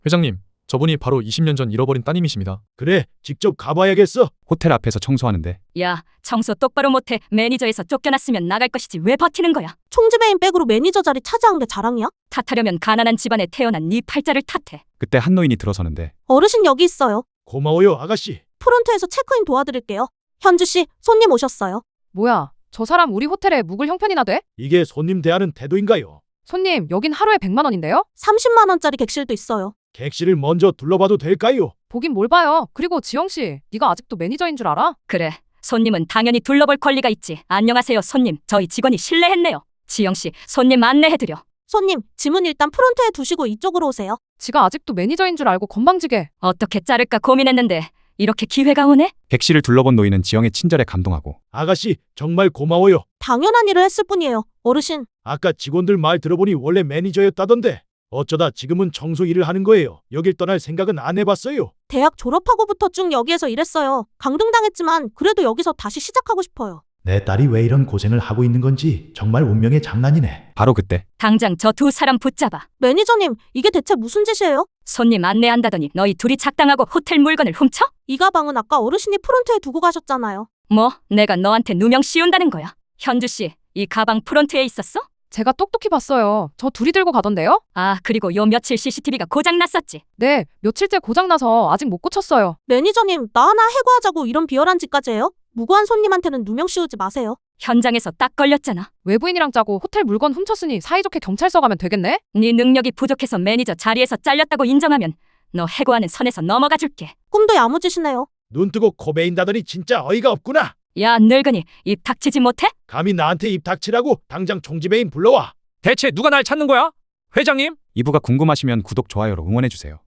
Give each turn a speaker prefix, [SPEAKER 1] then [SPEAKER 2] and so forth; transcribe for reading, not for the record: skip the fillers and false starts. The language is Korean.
[SPEAKER 1] 회장님, 저분이 바로 20년 전 잃어버린 따님이십니다.
[SPEAKER 2] 그래, 직접 가봐야겠어.
[SPEAKER 3] 호텔 앞에서 청소하는데
[SPEAKER 4] 야, 청소 똑바로 못해. 매니저에서 쫓겨났으면 나갈 것이지 왜 버티는 거야?
[SPEAKER 5] 총지배인 백으로 매니저 자리 차지한 게 자랑이야?
[SPEAKER 4] 탓하려면 가난한 집안에 태어난 네 팔자를 탓해.
[SPEAKER 3] 그때 한 노인이 들어서는데
[SPEAKER 5] 어르신 여기 있어요.
[SPEAKER 2] 고마워요, 아가씨.
[SPEAKER 5] 프론트에서 체크인 도와드릴게요. 현주 씨, 손님 오셨어요.
[SPEAKER 6] 뭐야, 저 사람 우리 호텔에 묵을 형편이나 돼?
[SPEAKER 2] 이게 손님 대하는 태도인가요?
[SPEAKER 6] 손님, 여긴 하루에 100만 원인데요?
[SPEAKER 5] 30만 원짜리 객실도 있어요.
[SPEAKER 2] 객실을 먼저 둘러봐도 될까요?
[SPEAKER 6] 보긴 뭘 봐요. 그리고 지영씨, 네가 아직도 매니저인 줄 알아?
[SPEAKER 4] 그래, 손님은 당연히 둘러볼 권리가 있지. 안녕하세요, 손님. 저희 직원이 실례했네요. 지영씨, 손님 안내해드려.
[SPEAKER 5] 손님, 짐은 일단 프론트에 두시고 이쪽으로 오세요.
[SPEAKER 6] 지가 아직도 매니저인 줄 알고 건방지게.
[SPEAKER 4] 어떻게 자를까 고민했는데 이렇게 기회가 오네?
[SPEAKER 3] 객실을 둘러본 노인은 지영의 친절에 감동하고
[SPEAKER 2] 아가씨, 정말 고마워요.
[SPEAKER 5] 당연한 일을 했을 뿐이에요. 어르신,
[SPEAKER 2] 아까 직원들 말 들어보니 원래 매니저였다던데 어쩌다 지금은 청소 일을 하는 거예요. 여길 떠날 생각은 안 해봤어요.
[SPEAKER 5] 대학 졸업하고부터 쭉 여기에서 일했어요. 강등당했지만 그래도 여기서 다시 시작하고 싶어요.
[SPEAKER 7] 내 딸이 왜 이런 고생을 하고 있는 건지 정말 운명의 장난이네.
[SPEAKER 3] 바로 그때
[SPEAKER 4] 당장 저 두 사람 붙잡아.
[SPEAKER 5] 매니저님, 이게 대체 무슨 짓이에요?
[SPEAKER 4] 손님 안내한다더니 너희 둘이 작당하고 호텔 물건을 훔쳐?
[SPEAKER 5] 이 가방은 아까 어르신이 프론트에 두고 가셨잖아요.
[SPEAKER 4] 뭐, 내가 너한테 누명 씌운다는 거야. 현주씨, 이 가방 프론트에 있었어?
[SPEAKER 6] 제가 똑똑히 봤어요. 저 둘이 들고 가던데요?
[SPEAKER 4] 아, 그리고 요 며칠 CCTV가 고장났었지.
[SPEAKER 6] 네, 며칠째 고장나서 아직 못 고쳤어요.
[SPEAKER 5] 매니저님, 나 하나 해고하자고 이런 비열한 짓까지 해요? 무고한 손님한테는 누명 씌우지 마세요.
[SPEAKER 4] 현장에서 딱 걸렸잖아.
[SPEAKER 6] 외부인이랑 짜고 호텔 물건 훔쳤으니 사이좋게 경찰서 가면 되겠네?
[SPEAKER 4] 네 능력이 부족해서 매니저 자리에서 잘렸다고 인정하면 너 해고하는 선에서 넘어가 줄게.
[SPEAKER 5] 꿈도 야무지시네요.
[SPEAKER 2] 눈 뜨고 코 베인다더니 진짜 어이가 없구나.
[SPEAKER 4] 야, 늙은이, 입 닥치지 못해?
[SPEAKER 2] 감히 나한테 입 닥치라고 당장 총지배인 불러와.
[SPEAKER 8] 대체 누가 날 찾는 거야? 회장님?
[SPEAKER 3] 2부가 궁금하시면 구독, 좋아요로 응원해주세요.